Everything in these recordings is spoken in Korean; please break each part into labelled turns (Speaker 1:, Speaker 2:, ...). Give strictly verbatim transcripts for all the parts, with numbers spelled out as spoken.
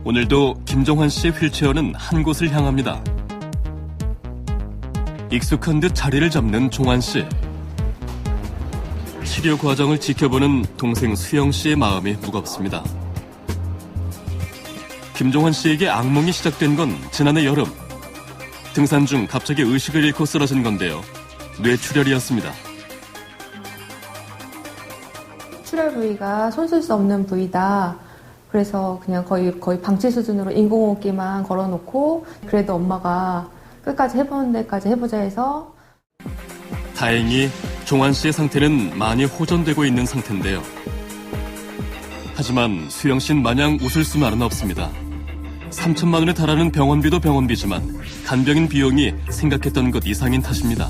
Speaker 1: 오늘도 김종환 씨의 휠체어는 한 곳을 향합니다. 익숙한 듯 자리를 잡는 종환 씨. 치료 과정을 지켜보는 동생 수영 씨의 마음이 무겁습니다. 김종환 씨에게 악몽이 시작된 건 지난해 여름. 등산 중 갑자기 의식을 잃고 쓰러진 건데요. 뇌출혈이었습니다.
Speaker 2: 출혈 부위가 손쓸 수 없는 부위다. 그래서 그냥 거의 거의 방치 수준으로 인공호흡기만 걸어놓고 그래도 엄마가 끝까지 해보는 데까지 해보자 해서.
Speaker 1: 다행히 종환 씨의 상태는 많이 호전되고 있는 상태인데요. 하지만 수영 씨는 마냥 웃을 수만은 없습니다. 삼천만 원에 달하는 병원비도 병원비지만 간병인 비용이 생각했던 것 이상인 탓입니다.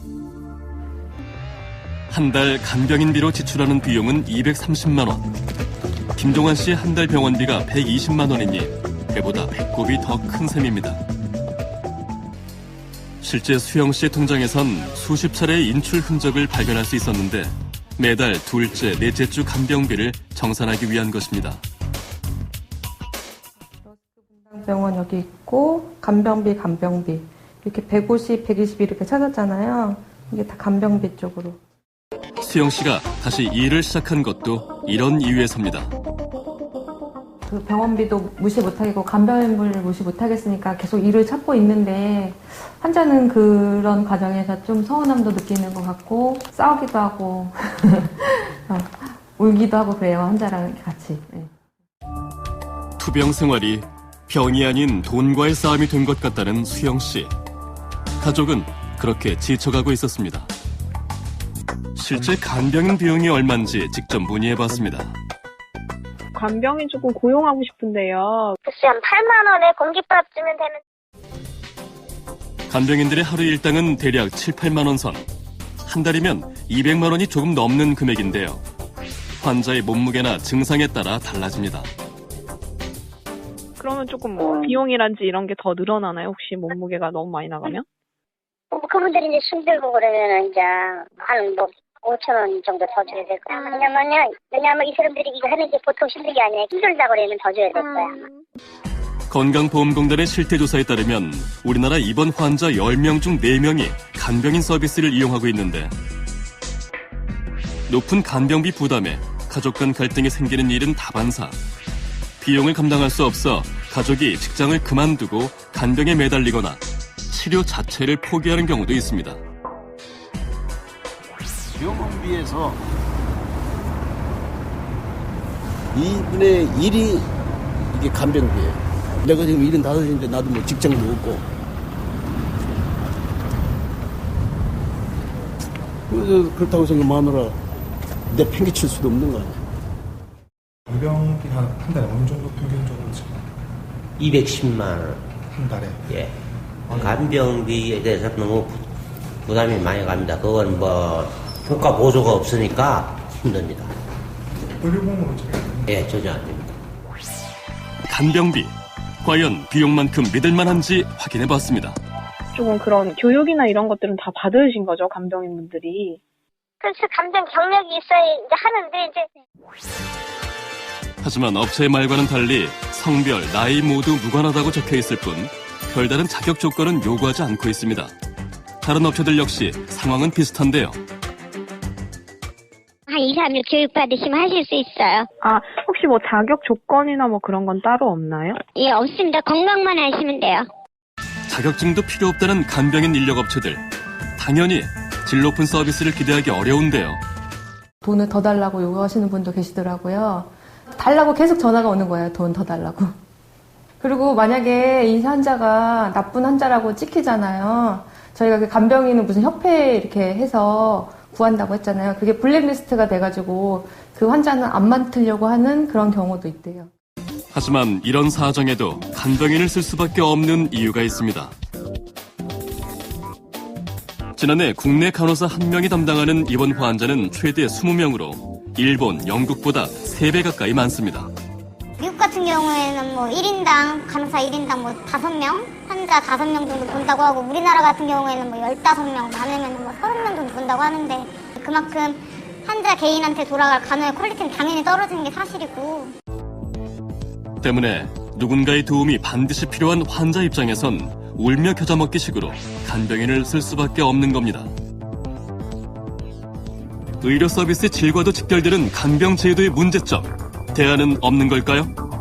Speaker 1: 한 달 간병인비로 지출하는 비용은 이백삼십만 원. 김종환 씨의 한 달 병원비가 백이십만 원이니 배보다 배꼽이 더 큰 셈입니다. 실제 수영 씨의 통장에선 수십 차례의 인출 흔적을 발견할 수 있었는데 매달 둘째, 넷째 주 간병비를 정산하기 위한 것입니다.
Speaker 2: 병원 여기 있고 간병비, 간병비 이렇게 백오십, 백이십 이렇게 찾았잖아요. 이게 다 간병비 쪽으로.
Speaker 1: 수영 씨가 다시 일을 시작한 것도 이런 이유에서입니다.
Speaker 2: 그 병원비도 무시 못하겠고 간병인을 무시 못하겠으니까 계속 일을 찾고 있는데 환자는 그런 과정에서 좀 서운함도 느끼는 것 같고 싸우기도 하고 어, 울기도 하고 그래요. 환자랑 같이. 네.
Speaker 1: 투병 생활이 병이 아닌 돈과의 싸움이 된 것 같다는 수영 씨. 가족은 그렇게 지쳐가고 있었습니다. 실제 간병인 비용이 얼마인지 직접 문의해봤습니다.
Speaker 3: 간병인 조금 고용하고 싶은데요.
Speaker 4: 글쎄 한 팔만 원에 공깃밥 주면 되는.
Speaker 1: 간병인들의 하루 일당은 대략 칠, 팔만 원 선. 한 달이면 이백만 원이 조금 넘는 금액인데요. 환자의 몸무게나 증상에 따라 달라집니다.
Speaker 3: 그러면 조금 뭐 비용이란지 이런 게 더 늘어나나요? 혹시 몸무게가 너무 많이 나가면?
Speaker 4: 뭐 그분들이 이제 숨 들고 그러면은 이제 한 뭐 오천 원 정도 더 줘야 될 거야. 왜냐면요, 왜냐면 이 사람들이 이거 하는 게 보통 힘든 게 아니라 힘들다 그러면 더 줘야 될 거야.
Speaker 1: 건강보험공단의 실태조사에 따르면 우리나라 입원 환자 열 명 중 네 명이 간병인 서비스를 이용하고 있는데 높은 간병비 부담에 가족 간 갈등이 생기는 일은 다반사. 비용을 감당할 수 없어 가족이 직장을 그만두고 간병에 매달리거나 치료 자체를 포기하는 경우도 있습니다.
Speaker 5: 병원비에서 이분의 일이 이게 간병비예요. 내가 지금 일흔다섯인데 나도 뭐 직장도 없고. 그래서 그렇다고 해서 마누라 내 팽개칠 수도 없는 거 아니야.
Speaker 6: 간병비 한, 한 달에 어느 정도 평균적으로 지금?
Speaker 7: 이백십만 원.
Speaker 6: 한 달에?
Speaker 7: 예. 간병비에 대해서 너무 부담이 많이 갑니다. 그건 뭐 효과 보조가 없으니까 힘듭니다.
Speaker 6: 의료보험으로 지금?
Speaker 7: 예, 전혀 안 됩니다.
Speaker 1: 간병비. 과연 비용만큼 믿을만한지 확인해봤습니다.
Speaker 3: 조금 그런 교육이나 이런 것들은 다 받으신 거죠, 간병인분들이?
Speaker 4: 그래서 간병 경력이 있어야 이제 하는데 이제.
Speaker 1: 하지만 업체의 말과는 달리 성별, 나이 모두 무관하다고 적혀있을 뿐 별다른 자격 조건은 요구하지 않고 있습니다. 다른 업체들 역시 상황은 비슷한데요.
Speaker 4: 한 이, 삼 일 교육받으시면 하실 수 있어요.
Speaker 3: 아, 혹시 뭐 자격 조건이나 뭐 그런 건 따로 없나요?
Speaker 4: 예, 없습니다. 건강만 하시면 돼요.
Speaker 1: 자격증도 필요 없다는 간병인 인력 업체들. 당연히 질 높은 서비스를 기대하기 어려운데요.
Speaker 2: 돈을 더 달라고 요구하시는 분도 계시더라고요. 달라고 계속 전화가 오는 거예요. 돈 더 달라고. 그리고 만약에 이 환자가 나쁜 환자라고 찍히잖아요. 저희가 그 간병인은 무슨 협회 이렇게 해서 구한다고 했잖아요. 그게 블랙리스트가 돼가지고 그 환자는 안 맡으려고 하는 그런 경우도 있대요.
Speaker 1: 하지만 이런 사정에도 간병인을 쓸 수밖에 없는 이유가 있습니다. 지난해 국내 간호사 한 명이 담당하는 입원 환자는 최대 이십 명으로 일본, 영국보다 세 배 가까이 많습니다.
Speaker 8: 미국 같은 경우에는 뭐 일 인당 간호사 일 인당 뭐 다섯 명, 환자 다섯 명 정도 본다고 하고 우리나라 같은 경우에는 뭐 열다섯 명, 많으면 뭐 서른 명 정도 본다고 하는데 그만큼 환자 개인한테 돌아갈 간호의 퀄리티는 당연히 떨어지는 게 사실이고.
Speaker 1: 때문에 누군가의 도움이 반드시 필요한 환자 입장에선 울며 겨자 먹기 식으로 간병인을 쓸 수밖에 없는 겁니다. 의료 서비스 질과도 직결되는 간병 제도의 문제점, 대안은 없는 걸까요?